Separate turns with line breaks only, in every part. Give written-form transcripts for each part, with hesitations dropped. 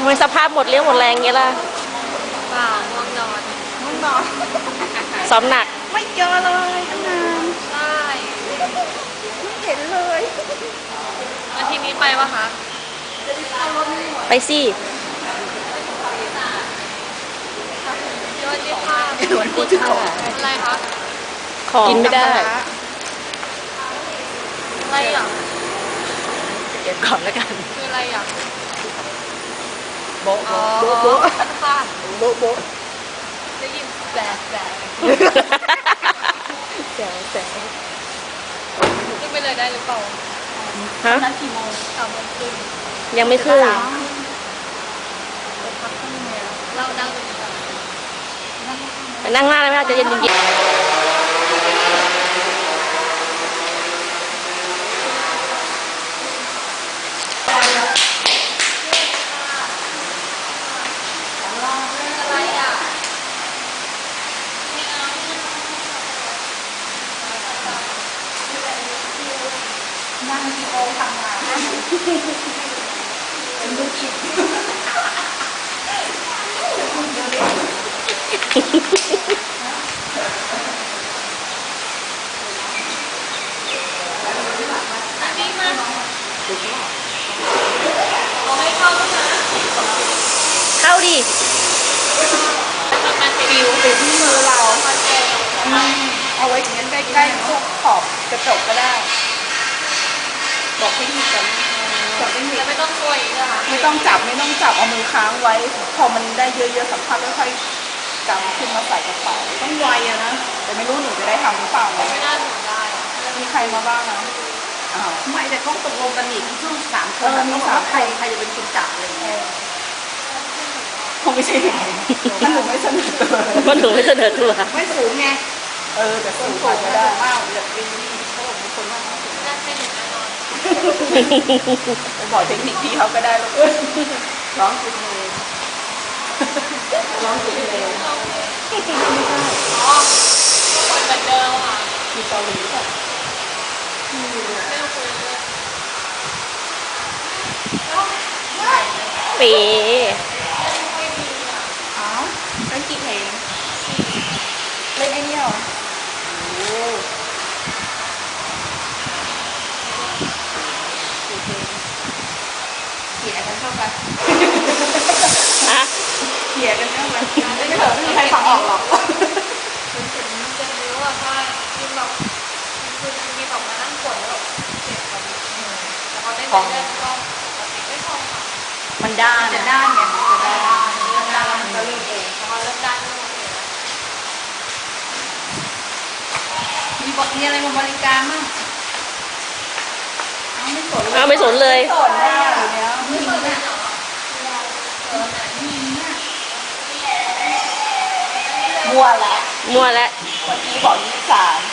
ทำไมสภาพหมดเรี่ยวหมดแรงเงี้ยล่ะ
เปล่าง่วงนอน
ง่วงนอน
ซ้อมหนัก
ไม่เจอเลยตั้งนาน
ใช่
ไม่เห็นเลย
อาทิตย์นี้ไปวะคะ
ไปสิ
สวัสดีค่ะ
วันพูดถึงของ
อะไรคะ
ของกินไม่ได้
อะไรอ่ะ
เก็บก่อนแล้วกัน
คืออะไรอ่ะ
โบ๊ะโบ๊ะโบ๊ะ
ค่ะ
โบ๊ะโบ๊ะ
ได้ยินแบก
แจ๋ว
ขึ้นไปเลยได้หรือเปล่า
ฮะ
นั้นกี่โมง
3 โมงครึ่ง
ยังไม่ขึ้น
เรานั่งดูดีกว่า
ไปนั่งหน้าเลยไหมจะเย็นๆ
อะไรอ่ะ
นั่งกี่โมงทำงานเป็นลูกจิต
นี่มาเอาให้เข้าด้วยนะ
เข้าดิ
มัน
ฟิวติดที่มือเราเอาไว้อย่างนั้นใกล้ๆพวกขอบกระจกก็ได้บอกเทคนิคกันบอกเทคนิค
ไม่ต้องกลัวอีกอ่ะ
ไม่ต้องจับเอามือค้างไว้พอมันได้เยอะๆสัมผัสแล้วค่อยกำขึ้นมาใส่กระเป๋าต้องไวอะนะแต่ไม่รู้หนูจะได้ทำหรือเปล่า
ไม่น่าหนูได้
มีใครมาบ้างนะ
ไม่แต่เขาตกลงกันอีกทั้ง3 คน
มี3
ใครจะเป็นคนจับอะไรอย่างเงี้ย
คงไม่ใช่หนูถ้าหนูไม่เสนอตัว
มันหนูไม่เสนอตัว
ไม่สูงไง
แต่สูงกว่าก็ได้
มากแบบนี้เขาบอกมีคนมาก
น่าใช่หนูแน่นอน
ไปบอกเทคนิคพี่เขาก็ได้ลูกร้องเพลงร้องเพลง
อ๋อคนแบบเดิมอ่ะ
มีเกาหลีป่ะ
ไม่ต้องคุยเลย
ปี
อ้าวเล่นกี่เพลงเล่นไอ้นี่เหรอโอ้เขี่ยกันเข้าไป
ฮะ
เขี่ยกันเข้าไปไม่เถอะไม่มีใครฟังออกหรอก
มันเจ็บนิ้วอ่ะใช่คือแบบคือมีแบบมานั่งกดแล้วเจ็บแบบแต่พอได้เล่นก็ปกติไม่พอค่ะ
มันด้าน
จะด้านไงจะด้าน
เริ่มด้านแล้วมันก็เริ่มเอง
พอเริ่มด้านก็หมดเลย
มีอะไรมาบริการมั้ง
เอาไม่สนเลย
สอนได้อยู่เนี้ย
ไม่เปิดเลยเหรอ
มัวละ
มัวแล้ว
เมื่อกี้บอก23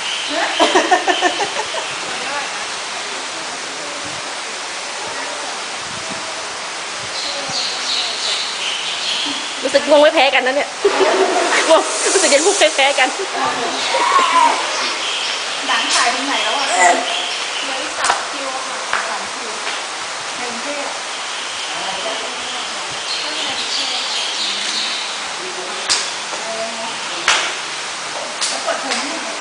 รู้สึกง่วงไม่แพ้กันนะเนี่ยง่วงรู้สึกยังง่วงไม่แพ้กัน
หนังถ่ายตรงไหนแล้วอ่ะ
เหลืออีก3 คิวค่ะ
3 คิวในกรุงเทพแล้วเปิดเทอมที่ไหน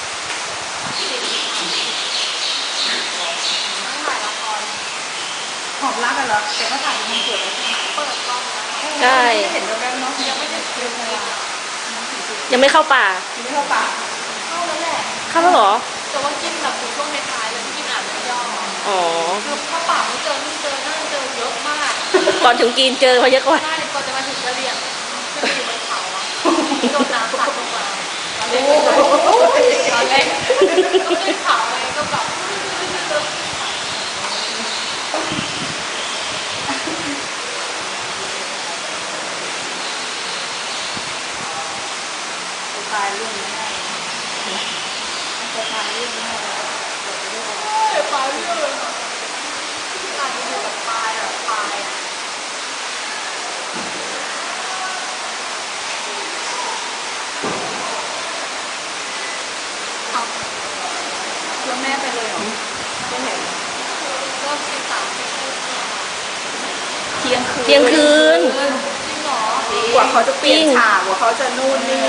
ถ่ายละคร
หอบรักกันเหรอแต่ก็ถ่ายเป็นคอนเสิร์ตแล้วใช่ไหม
เปิดกล้องแล้ว
ใช่
เห็นแว๊บๆเนาะ
ยังไม่ได้ดูเลย
ยังไม่เข้าป่า
ยังไม่เข้าป่า
เข้าแล้วแหละ
เข้าแล้วเหรอ
แต่ว่ากินแบบอยู่ช่วงท้ายๆเลยที่กินอ่านย่อ
อ๋อ
คือเข้าป่าไม่เจอนี่เจอนั่นเจอเยอะมาก
ก่อนถึงกินเจอมาเยอะกว่า
ใช่ก่อนจะมาถึงกะเหรี่ยงขึ้นไปอยู่บนเขาอ่ะโดนน้ำพัดลงมาตอนแรกก็ขึ้นเขาไงก็แบบ
ตายเรื่องนี้ได้จะตายเรื่องนี้ได้
เดี๋ยวปลายเรื่องอาจจะอยู่กับปลายอ่ะปลายอ่ะ
แล้วแม่ไปเลยเหรอที่ยงคืน
เที่ยงคืน
จริงเหรอก
ว่าเขาจะเปลี่ยน
จริง
ฉากกว่าเขาจะนู่นนี่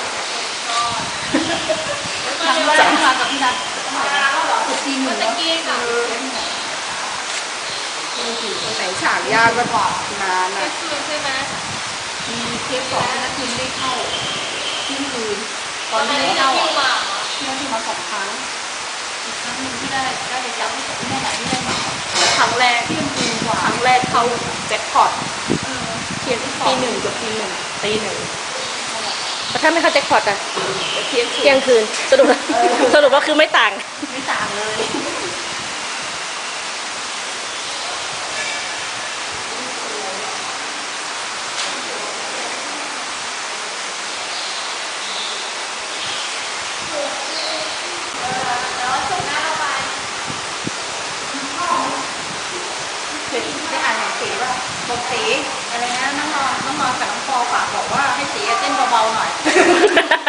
มา
ครั้ง
เร็ว
แร
จั
ก
ง
มากับพี่นัทเท่าไหร่นะสุดทีห
เมื่
นึ่
อง ตะกี้กับ
ไหนฉากยากก็นาน
เที่ย
อ่ะ
งคืนใช่ไหม
มีเทปสองพี่นัททีมได้เข้าเที่ยงคืนต
ต
อ
อน น
ที่
นั้น
ได้
ที่
เข้า
คิว
อ่ะ
มาเหรอ
พี่นัททีมมา2 ครั้งอีกครั้งหนึ่งที่ได้ไปจับให้กับที่แม่ไหนที่ได้มา
ครั้งแรก
เที่ยงคืนกว่า
ครั้งแรกเข้าแจ็คพอต
เออ
เที่ยงตีหนึ่งกับตีหนึ่ง
ตีหนึ่งแต่ถ้าไม่เข้าแจ็คพอตอะ
เที่ยงคื
เที่ย
น
งคืนสรุปแล้วสรุปว่าคือไม่ต่าง
ไม่ต่างเลย
แล้วช่วงหน้าเราไป
เคยได้อ่านหนังสือว่าบอกตีอะไรนะน้องนอนกับน้องปอฝากบอกว่าให้ตีเต้นเบาๆหน่อย